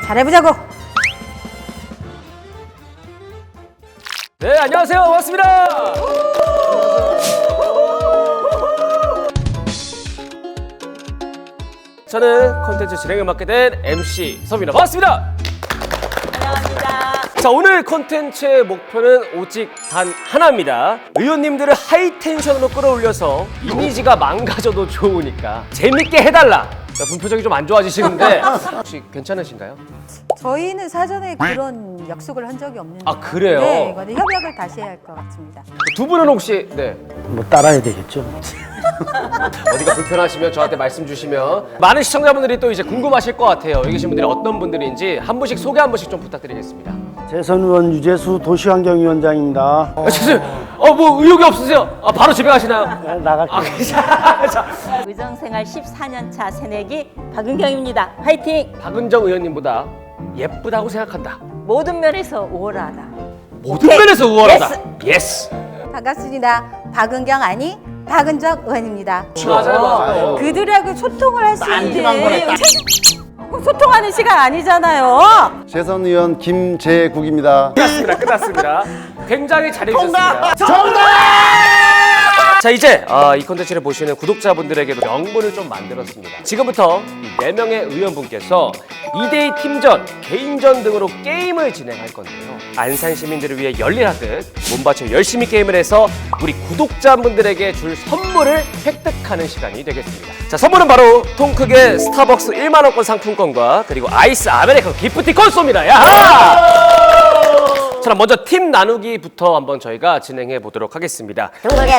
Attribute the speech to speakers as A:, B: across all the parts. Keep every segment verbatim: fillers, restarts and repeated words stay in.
A: 잘해보자고.
B: 네, 안녕하세요. 반갑습니다. 저는 콘텐츠 진행을 맡게 된 엠씨 서입니다. 반갑습니다.
C: 안녕합니다.
B: 자, 오늘 콘텐츠의 목표는 오직 단 하나입니다. 의원님들을 하이텐션으로 끌어올려서 이미지가 망가져도 좋으니까 재밌게 해달라. 자, 분표정이 좀 안 좋아지시는데 혹시 괜찮으신가요?
A: 저희는 사전에 그런 약속을 한 적이 없는데.
B: 아, 그래요?
A: 네, 이거는 협약을 다시 해야 할 것 같습니다.
B: 두 분은 혹시 네
D: 뭐 따라야 되겠죠.
B: 어디가 불편하시면 저한테 말씀 주시면 많은 시청자분들이 또 이제 궁금하실 것 같아요. 여기 계신 분들이 어떤 분들인지 한 분씩 소개 한 번씩 좀 부탁드리겠습니다.
D: 재선 의원 유재수 도시환경위원장입니다.
B: 아, 죄송해요. 어, 뭐 의욕이 없으세요? 아, 바로 집에 가시나요?
D: 네, 나갈게요.
B: 아, 자, 자,
C: 의정생활 십사 년 차 새내기 박은경입니다. 화이팅!
B: 박은정 의원님보다 예쁘다고 생각한다.
C: 모든 면에서 우월하다.
B: 모든
C: 오케이.
B: 면에서 우월하다. 예스.
A: 반갑습니다. 박은경 아니 박은정 의원입니다.
B: 맞아요, 맞아요.
A: 그들하고 소통을 할 수
D: 딴지만
A: 있는
D: 거네,
A: 소통하는 시간 아니잖아요.
E: 재선 의원 김재국입니다.
B: 끝났습니다. 끝났습니다. 굉장히 잘해주셨습니다. 정답! 자, 이제 아, 이 콘텐츠를 보시는 구독자분들에게도 명분을 좀 만들었습니다. 지금부터 이 네 명의 의원분께서 이 대이 팀전, 개인전 등으로 게임을 진행할 건데요. 안산 시민들을 위해 열일하듯 몸바쳐 열심히 게임을 해서 우리 구독자분들에게 줄 선물을 획득하는 시간이 되겠습니다. 자, 선물은 바로 통 크게 스타벅스 일만 원권 상품권과 그리고 아이스 아메리카노 기프티콘 쏩니다. 야하! 자, 그럼 먼저 팀 나누기부터 한번 저희가 진행해 보도록 하겠습니다.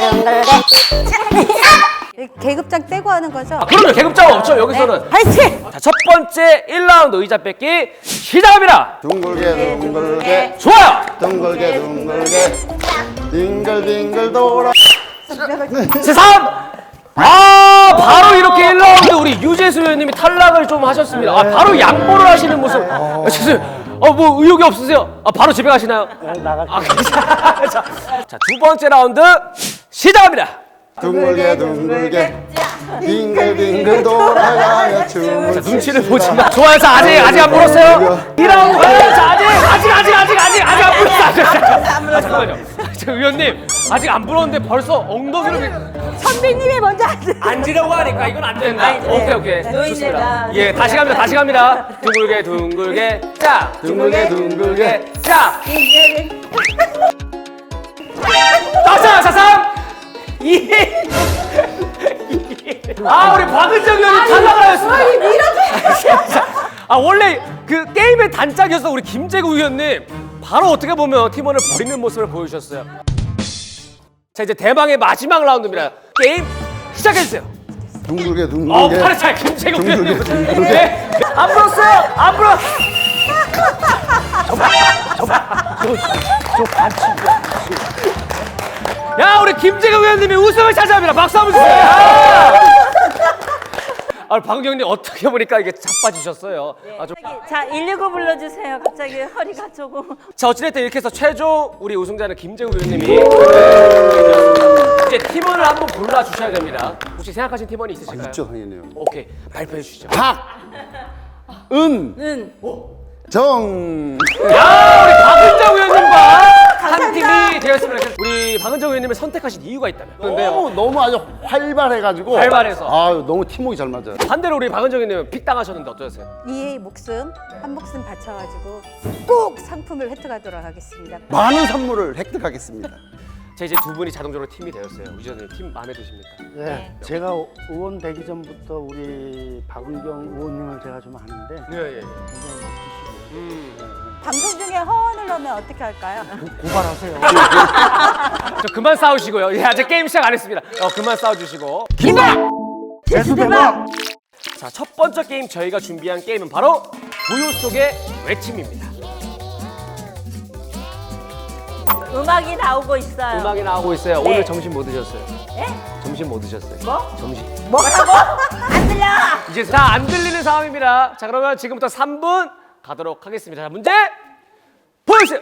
A: 계급장 떼고 하는 거죠?
B: 아, 그럼요. 계급자가 없죠. 여기서는.
A: 네. 화이팅!
B: 자, 첫 번째 일 라운드 의자 뺏기 시작합니다.
E: 둥글게 둥글게
B: 좋아요.
E: 둥글게 둥글게 빙글빙글 돌아.
B: 제삼. 아, 바로 이렇게 일 라운드 우리 유재수 의원님이 탈락을 좀 하셨습니다. 아, 바로 양보를 하시는 모습. 아, 죄송해요. 어, 뭐 의욕이 없으세요? 아, 바로 집에 가시나요?
D: 네, 나갈게요.
B: 아, 자, 자, 자, 두 번째 라운드 시작합니다.
E: 둥글게 둥글게 빙글빙글 돌아가며 춤을
B: 자, 눈치를
E: 춥시다.
B: 보지 마. 좋아요. 자, 아직 아직 안 불었어요. 이 라운드 가요. 자, 아직 아직 아직 아직 아직 아직 안 불었어. 아직, 아직. 아, 잠깐만요. 저 의원님 아직 안 불었는데 벌써 엉덩이를
A: 선배님이 먼저 하세요.
B: 앉으려고 하니까 이건 안 된다.
C: 아니, 네.
B: 오케이 오케이. 좋습니다.
C: 노인네가.
B: 예, 다시 갑니다. 다시 갑니다. 둥글게 둥글게 자,
E: 둥글게 둥글게
B: 자. 자, 자, 삼, 이. 아, 우리 박은정 의원이 탈락을 하였습니다. 아, 원래 그 게임의 단짝이었어 우리 김재국 의원님. 바로 어떻게 보면 팀원을 버리는 모습을 보여주셨어요. 자, 이제 대망의 마지막 라운드입니다. 게임 시작해주세요.
E: 둥글게
B: 어,
E: 둥글게
B: 팔을 잘 김재국 의원님.
E: 둥글게 둥글게
B: 네. 안 불었어요. 안 불었. 야, 우리 김재국 의원님이 우승을 차지합니다. 박수 한번 주세요. 야! 아, 박은경님 어떻게 보니까 이게 자빠지셨어요. 아, 좀...
C: 자, 일일구 불러주세요. 갑자기 허리가 조금.
B: 자, 어찌됐든 이렇게 해서 최종 우리 우승자는 김재국 의원님이 이제 팀원을 한번 골라 주셔야 됩니다. 혹시 생각하신 팀원이 있으실까요?
E: 있죠 당연히요.
B: 오케이, 발표해 주시죠.
E: 은
C: 은.
E: 정
B: 야, 우리 박은정 의원님과 한 팀이 되었습니다. 우리 박은정 의원님을 선택하신 이유가 있다면? 근데요.
E: 너무 너무 아주 활발해가지고
B: 활발해서.
E: 아 너무 팀워크 잘 맞아요.
B: 반대로 우리 박은정 의원님은 픽 당하셨는데 어떠셨어요?
A: 이의 목숨 한 목숨 바쳐가지고 꼭 상품을 획득하도록 하겠습니다.
E: 많은 선물을 획득하겠습니다.
B: 자, 이제 두 분이 자동적으로 팀이 되었어요. 우지선님 팀 마음에 드십니까?
D: 네, 제가 의원 되기 전부터 우리 박은경 의원님을 제가 좀 아는데
B: 예, 예.
D: 굉장히 멋지시고
B: 음.
A: 방송 중에 허언을 하면 어떻게 할까요?
D: 고발하세요.
B: 저 그만 싸우시고요. 예, 아직 게임 시작 안 했습니다. 어, 그만 싸워주시고.
D: 재수 대박!
B: 자, 첫 번째 게임 저희가 준비한 게임은 바로 고요 속의 외침입니다.
C: 음악이 나오고 있어요.
B: 음악이 나오고 있어요.
C: 네.
B: 오늘 점심 뭐 드셨어요?
C: 예?
B: 점심 뭐 드셨어요?
C: 뭐?
B: 점심.
C: 뭐라고? 안 들려!
B: 이제 다 안 들리는 상황입니다. 자, 그러면 지금부터 삼 분 가도록 하겠습니다. 자, 문제 보여주세요.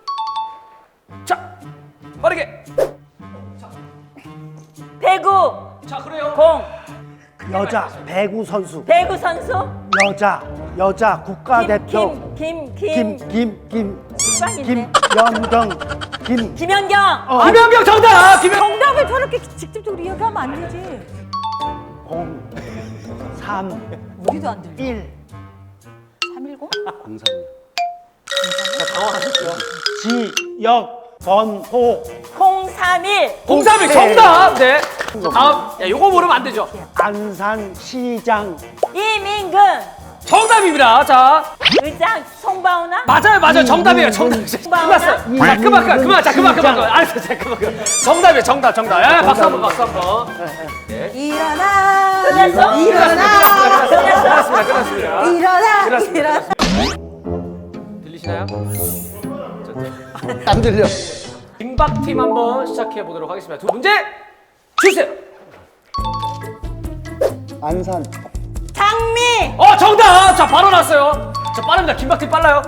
B: 자, 빠르게.
C: 배구,
B: 자, 그래요.
C: 공,
D: 여자 배구 선수.
C: 배구 선수
D: 여자 여자 국가대표.
C: 김김김김
D: 김김김
C: 식빵인데.
D: 김연경 김
C: 김연경
D: 어,
B: 김연경 정답! 김연...
A: 정답을 저렇게 직접적으로 이야기하면 안 되지.
D: 공 삼
A: 우리도 안 들려.
D: 일
A: 삼일공?
E: 공삼.
D: 지역 번호
C: 공삼일
B: 공삼일
D: 네.
B: 정답! 네. 자, 다음. 야, 요거 모르면 안 되죠.
D: 안산시장
C: 이민근
B: 정답입니다. 자,
C: 의장 송바우나
B: 맞아요, 맞아요. 정답이에요.
D: 이,
B: 정답.
D: 이,
B: 끝났어요.
D: 이,
B: 자,
D: 이,
B: 그만, 그만,
D: 이,
B: 그만, 자, 그만, 그만,
D: 이,
B: 그만. 알았어, 자, 그만, 그만. 정답이에요, 정답, 정답, 정답. 예, 박수 한 번, 박수 한 번.
A: 일어나.
C: 끝났어?
A: 일어나.
B: 끝났습니다, 끝났습니다.
A: 일어나.
B: 끝났습니다.
A: 일어나.
B: 들리시나요?
E: 안 들려.
B: 김박팀 한번 시작해 보도록 하겠습니다. 두 문제 주세요.
E: 안산.
C: 장미
B: 어, 정답! 자, 바로 났어요. 자, 빠릅니다. 김박팀 빨라요.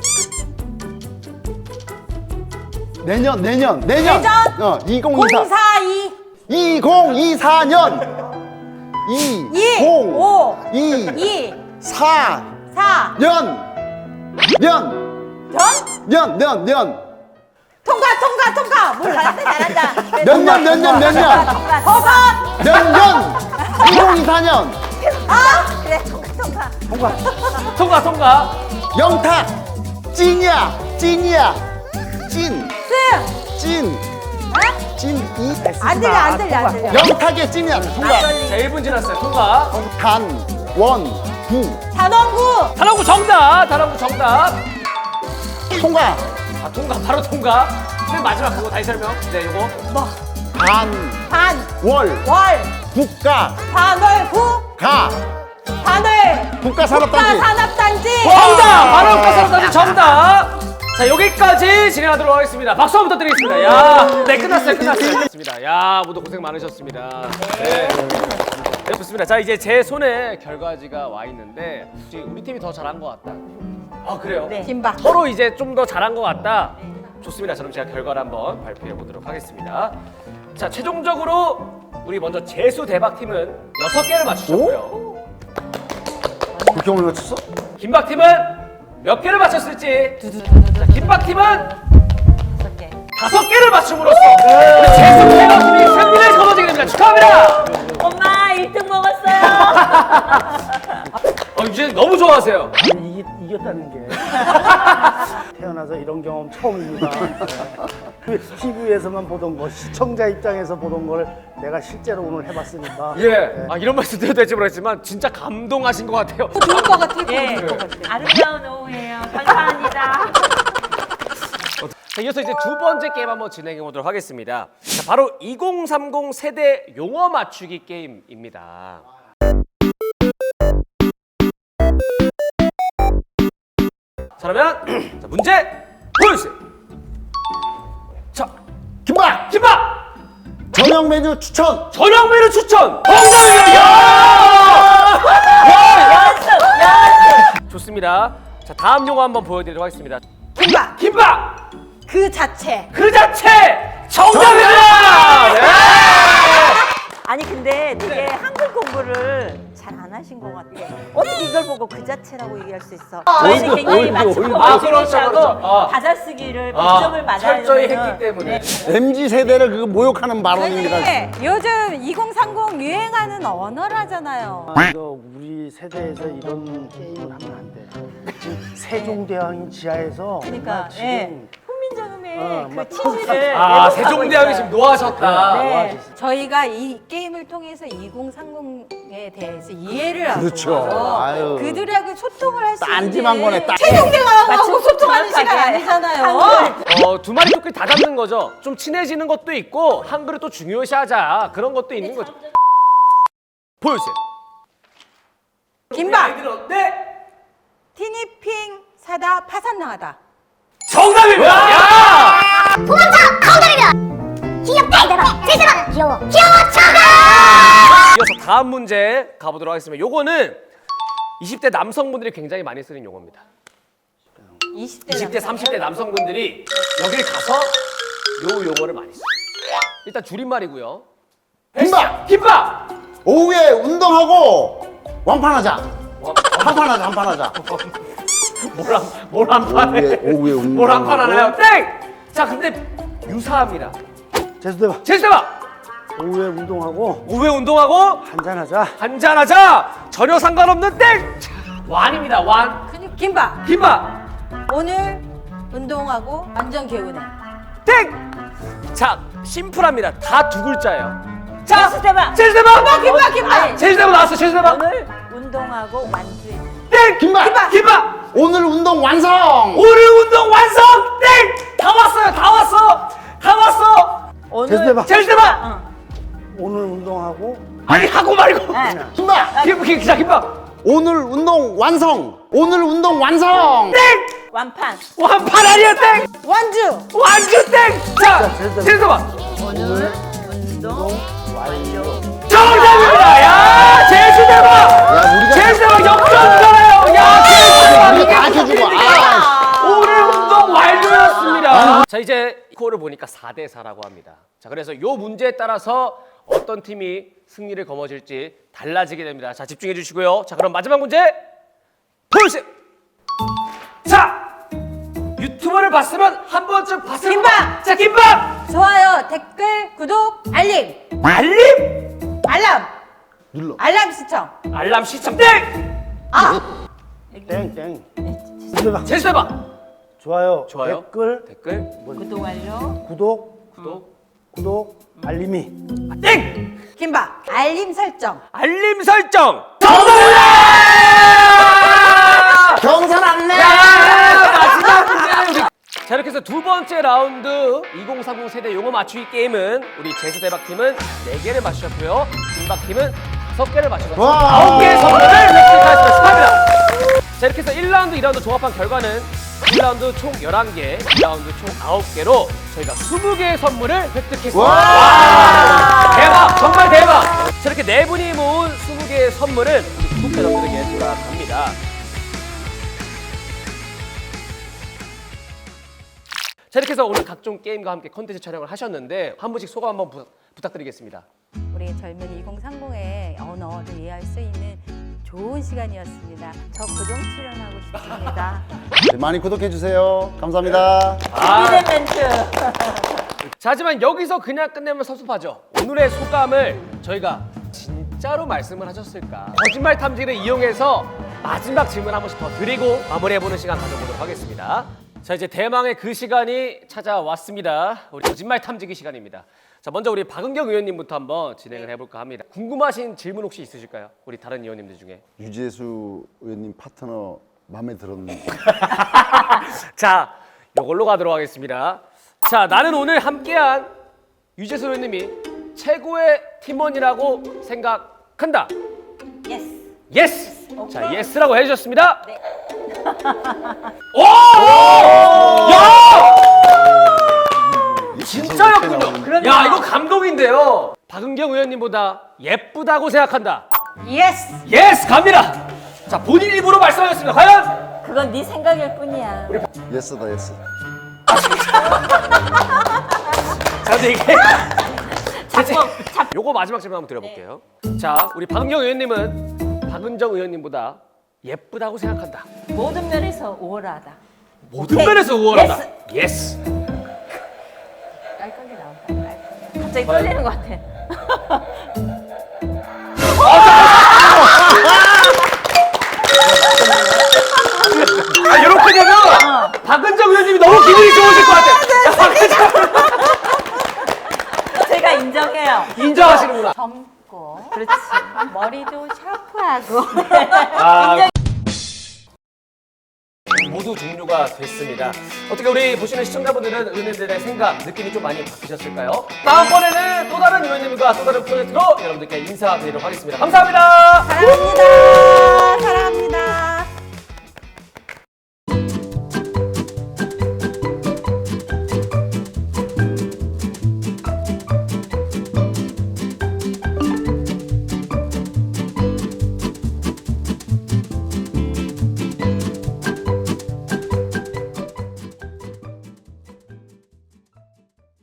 E: 내년 내년 내년.
C: 내년?
E: 어 이공이사.
C: 공사이
E: 이공이사 년. 이.
C: 이,
E: 공.
C: 오,
E: 이.
C: 이,
E: 사.
C: 사,
E: 년. 년.
C: 전
E: 년. 년. 년.
C: 통과 통과 통과 뭘 잘한다 잘한다
E: 몇 년, 몇 년, 몇 년?
C: 허각
E: 몇 년? 이공이사 년.
C: 아 그래 통과 통과
B: 통과, 통과.
E: 영탁. 찐이야. 찐이야. 찐.
C: 승
E: 찐. 찐. 이.
A: 안 들려, 안 들려, 안 들려.
E: 영탁의 찐이야. 통과.
B: 자, 일 분 지났어요. 통과.
E: 단. 원. 구.
C: 단원구
B: 단원구 정답! 단원구 정답!
E: 통과.
B: 아, 통과, 바로 통과. 맨 마지막 그거 다시 설명. 네, 요거.
E: 단.
C: 반
E: 월.
C: 월
E: 국가.
C: 반월구
E: 가.
C: 반월
E: 국가산업단지.
C: 국가산업단지
B: 정답! 바로 가서까지 정답! 자, 여기까지 진행하도록 하겠습니다. 박수 한번 부탁드리겠습니다. 야, 네, 끝났어요, 끝났어요. 끝났습니다. 야, 모두 고생 많으셨습니다. 네. 네, 좋습니다. 자, 이제 제 손에 결과지가 와 있는데 혹시 우리 팀이 더 잘한 것 같다. 아, 그래요?
C: 네.
A: 김박.
B: 서로 이제 좀 더 잘한 것 같다. 좋습니다. 그럼 제가 결과를 한번 발표해 보도록 하겠습니다. 자, 최종적으로 우리 먼저 재수 대박 팀은 여섯 개를 맞추셨고요.
E: 그렇게 오늘 맞췄어?
B: 김박 팀은 몇 개를 맞췄을지. 자, 김박 팀은
C: 다섯 개
B: 다섯 개를 맞춤으로써 우리 재수 대박 팀이 승리를 거머쥐게 됩니다. 축하합니다.
C: 엄마 일 등 먹었어요
B: 어, 이제 너무 좋아하세요.
D: 아니, 이기, 이겼다는 게 태어나서 이런 경험 처음입니다. 티비에서만 보던 거, 시청자 입장에서 보던 걸 내가 실제로 오늘 해봤으니까.
B: 예.
D: 네.
B: 아, 이런 말씀 드려도 될지 모르겠지만 진짜 감동하신 것 같아요.
A: 좋을 것 같아.
C: 예
A: 좋을 것 같아.
C: 아름다운 오후예요 감사합니다
B: 자, 이어서 이제 두 번째 게임 한번 진행해 보도록 하겠습니다. 자, 바로 이공삼공 세대 용어 맞추기 게임입니다. 자, 그러면 자, 문제 보여주세요. 자,
E: 김밥.
B: 김밥!
E: 저녁 메뉴 추천.
B: 저녁 메뉴 추천! 정답입니다! 야!
C: 연습 연습
B: 좋습니다. 자, 다음 용어 한번 보여드리도록 하겠습니다.
A: 김박.
B: 김밥!
A: 그 자체.
B: 그 자체! 정답입니다! 네!
C: 아니 근데 되게 한글 공부를 잘 안 하신 것 같아. 어떻게 이걸 보고 그 자체라고 얘기할 수 있어? 저희는 굉장히
E: 오일도,
C: 맞춤
E: 오일도.
B: 아,
C: 공부를
B: 그렇죠,
C: 하고
B: 그렇죠. 아.
C: 받아쓰기를
B: 아,
C: 백 점을 맞아야
B: 철저히
C: 되면은
B: 했기 때문에.
C: 네.
E: 엠지 세대를 그 모욕하는 발언입니다.
A: 네, 요즘 이공삼공 유행하는 언어라잖아요.
D: 아, 이거 우리 세대에서 이런 게임을 하면 안 돼. 지금 세종대왕이 지하에서
C: 그러니까
D: 나 지금
C: 예. 훈민정음의
D: 어,
C: 그
D: 막
C: 치즈를
B: 아,
C: 왜곡하고
B: 세종대왕이
C: 있어요.
B: 지금 노하셨다.
C: 네.
A: 저희가 이 게임을 통해서 이공삼공에 대해서 이해를 하고
E: 그렇죠. 아유.
A: 그들하고 소통을 할 수 있는
E: 딴지만 거네, 딴-
A: 세종대왕하고
C: 맞춤
A: 소통하는 시간
C: 정확하게
A: 아니잖아요.
C: 한글.
B: 어, 두 마리 토끼 다 잡는 거죠. 좀 친해지는 것도 있고 한글을 또 중요시하자 그런 것도 있는 거죠. 보여주세요.
A: 김밥.
B: 아이들은 네.
A: 티니핑 사다 파산 나가다.
B: 정답입니다. 야! 이어서 다음 문제 가보도록 하겠습니다. 요거는 이십 대 남성분들이 굉장히 많이 쓰는 용어입니다.
A: 이십 대,
B: 이십 대, 삼십 대 남성분들이 여길 가서 요 용어를 많이 써요. 일단 줄임말이고요.
E: 김밥!
B: 김밥!
E: 오후에 운동하고 완판하자. 한판하자, 한판하자.
B: 뭘한 뭘 한 판에
E: 오후에, 오후에 운동.
B: 뭘 한 판 하나요? 땡! 자 근데 유사합니다.
D: 제수대봐.
B: 제스대봐
D: 오후에 운동하고
B: 오후에 운동하고
D: 한잔하자.
B: 한잔하자 전혀 상관없는 땡! 자, 완입니다 완
A: 근육 김밥.
B: 김밥
A: 오늘 운동하고 완전 개운해.
B: 땡! 자 심플합니다 다 두 글자예요. 자
C: 제수대박.
B: 제스대봐
A: 김밥 김밥.
B: 제스대봐 나왔어 제스대봐
C: 오늘 운동하고 완주해.
B: 땡!
E: 김밥!
B: 김밥! 김밥!
E: 오늘 운동 완성!
B: 오늘 운동 완성! 땡! 다 왔어요 다 왔어 다 왔어
C: 오늘
D: 제수대박.
B: 제스대봐
C: 응.
D: 오늘 운동하고
B: 아니 하고 말고
C: 네.
E: 김밥!
B: 김, 김, 자 김밥
E: 오늘 운동 완성! 오늘 운동 완성!
B: 땡!
C: 완판.
B: 완판 아니야 땡!
A: 완주.
B: 완주 땡! 자
D: 제스대박.
B: 제스대봐
C: 오늘 운동 완료.
B: 정답입니다 야 제스대봐
E: 야, 우리가
B: 제스대봐 역전잖아요 야 제스대봐
E: 우리가 다 해주고, 아,
B: 오늘 운동 완료였습니다. 자 이제 스코어를 보니까 사 대 사라고 합니다. 자 그래서 요 문제에 따라서 어떤 팀이 승리를 거머쥘지 달라지게 됩니다. 자 집중해 주시고요. 자 그럼 마지막 문제 보여주세요. 자 유튜브를 봤으면 한 번쯤 봤을
A: 김밥!
B: 자 김밥!
A: 좋아요, 댓글, 구독, 알림.
B: 알림!
A: 알람.
E: 눌러.
A: 알람 시청.
B: 알람 시청 땡!
D: 땡땡. 제수대봐.
B: 제수해봐.
D: 좋아요.
B: 좋아요.
D: 댓글,
B: 댓글
C: 구독 완료.
D: 구독,
B: 구독
D: 구독, 알림이.
B: 아, 땡!
A: 김밥. 알림 설정.
B: 알림 설정 정답!
E: 경선 안내!
B: 자 이렇게 해서 두 번째 라운드 이공삼공 세대 용어 맞추기 게임은 우리 제수대박팀은 네 개를 맞추셨고요 김박팀은 다섯 개를 맞추셨습니다.
E: 와.
B: 아홉 개의 선물을 획득하셨습니다. 축하합니다. 자 이렇게 해서 일 라운드, 이 라운드 종합한 결과는 일 라운드 총 열한 개, 이 라운드 총 아홉 개로 저희가 스무 개의 선물을 획득했습니다. 와. 대박! 정말 대박! 자 이렇게 네 분이 모은 스무 개의 선물은 우리 구독자 여러분들에게 돌아갑니다. 자 이렇게 해서 오늘 각종 게임과 함께 컨텐츠 촬영을 하셨는데 한 분씩 소감 한번 부, 부탁드리겠습니다.
A: 우리 젊은 이공삼공의 언어를 이해할 수 있는 좋은 시간이었습니다.
C: 저 고정 출연하고 싶습니다.
E: 네, 많이 구독해주세요. 감사합니다.
C: 준비된 멘트.
B: 자 하지만 여기서 그냥 끝내면 섭섭하죠. 오늘의 소감을 저희가 진짜로 말씀을 하셨을까 거짓말 탐지기를 이용해서 마지막 질문 한 번씩 더 드리고 마무리해보는 시간 가져보도록 하겠습니다. 자 이제 대망의 그 시간이 찾아왔습니다. 우리 거짓말 탐지기 시간입니다. 자 먼저 우리 박은경 의원님부터 한번 진행을 해볼까 합니다. 궁금하신 질문 혹시 있으실까요? 우리 다른 의원님들 중에.
E: 유재수 의원님 파트너 마음에 들었는데.
B: 자 요걸로 가도록 하겠습니다. 자 나는 오늘 함께한 유재수 의원님이 최고의 팀원이라고 생각한다.
C: 예스.
B: 예스! 자 예스라고 해주셨습니다.
C: 네.
B: 오! 야! 진짜였군요. 야 이거 감동인데요. 박은경 의원님보다 예쁘다고 생각한다.
A: 예스.
B: 예스 갑니다. 자 본인 입으로 말씀하셨습니다. 과연?
C: 그건 네 생각일 뿐이야.
E: 예스다, 예스.
B: 자 근데 이게
C: 자꾸
B: 요거 마지막 질문 한번 드려볼게요. 자 우리 박은경 의원님은 박은정 의원님보다 예쁘다고 생각한다.
C: 모든 면에서 우월하다.
B: 모든
C: 오케이.
B: 면에서 우월하다. 예스.
C: 깔끔하게 나온다. 깔끔하게. 갑자기 떨리는 것 같아.
B: 아 이렇게 되면 박은정 의원님이 너무 기분이 좋으실 것 같아. 야, 박은정
C: 제가 인정해요.
B: 인정하시는구나.
A: 젊고
C: 그렇지.
A: 머리도 샤프하고
B: 아, 모두 종료가 됐습니다. 어떻게 우리 보시는 시청자분들은 의원님들의 생각, 느낌이 좀 많이 바뀌셨을까요? 다음번에는 또 다른 의원님과 또 다른 프로젝트로 여러분들께 인사드리도록 하겠습니다. 감사합니다.
A: 사랑합니다.